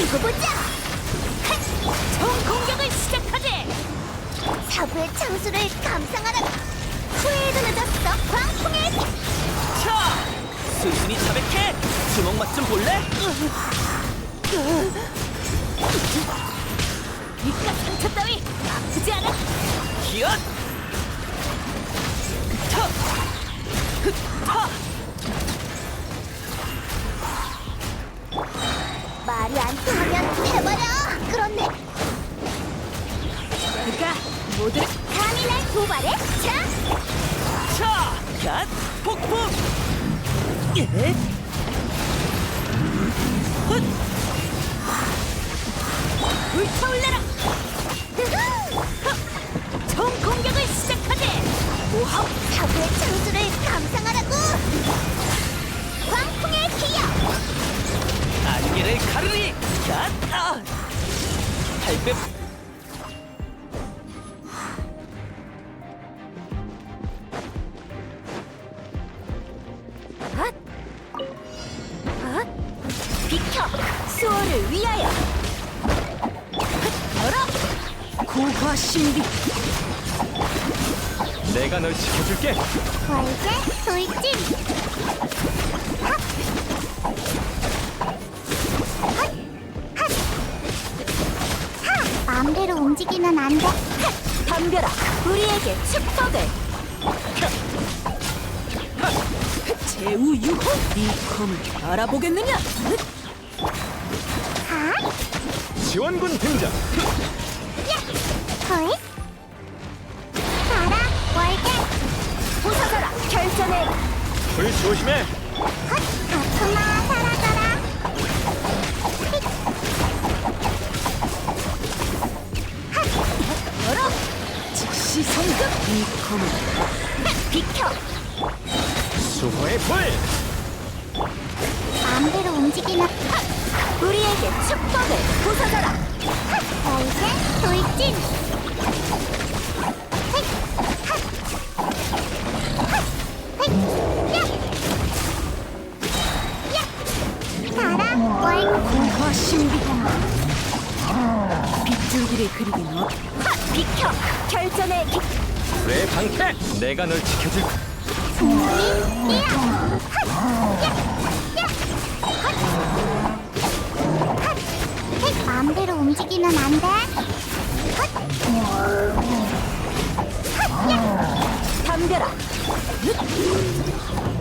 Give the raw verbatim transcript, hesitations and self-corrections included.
두고 보자. 총 공격을 시작하지. 사부의 창수를 감상하라. 후회에도 늦었어. 광풍의 차! 수순이 자백해! 주먹 맛 좀 볼래? 이깟 상처 따위 아프지 않아? 기엇! 타! 흑! 타! 말이 안 통하면 해버려. 그렇네. 그가 모두를 감히 날 도발해? 자, 차! 갓! 폭풍! 예? 헛! 불타올라라. 으흐! 총 공격을 시작하지. 모함 사부의 창수를 감상하라고. 광풍의 기여. 안개를 가르리! 갓! 아! 팔백! 앗! 앗! 비켜! 수호를 위하여! 앗! 열어! 고화 신비! 내가 널 지켜줄게! 월제 돌진. 핫! 핫! 핫! 하! 마음대로 움직이면 안 돼. 핫! 덤벼라! 우리에게 축복을! 제우 유호! 이 검을 알아보겠느냐? 하! 지원군 등장! 야! 거이! 가라! 월계! 부서져라! 결전의 불 조심해! 헛! 아프마 사라져라! 휙! 열어! 즉시 성급! 이 검을 비켜! 수호의 불! 마음대로 움직이면 핫! 우리에게 축복을! 부서져라! 월계 돌진! 휙! 핫! 핫! 휙! 야! 야! 가라! 월! 고화 신비! 빗줄기를 그리긴 어 핫! 비켜! 결전의 기... 불의 방패! 내가 널 지켜줄 승리! 이야! 핫! 야! 야! 핫! 핫! 휙! 마음대로 움직이면 안 돼. 핫! 핫! 야! 덤벼라! 윷!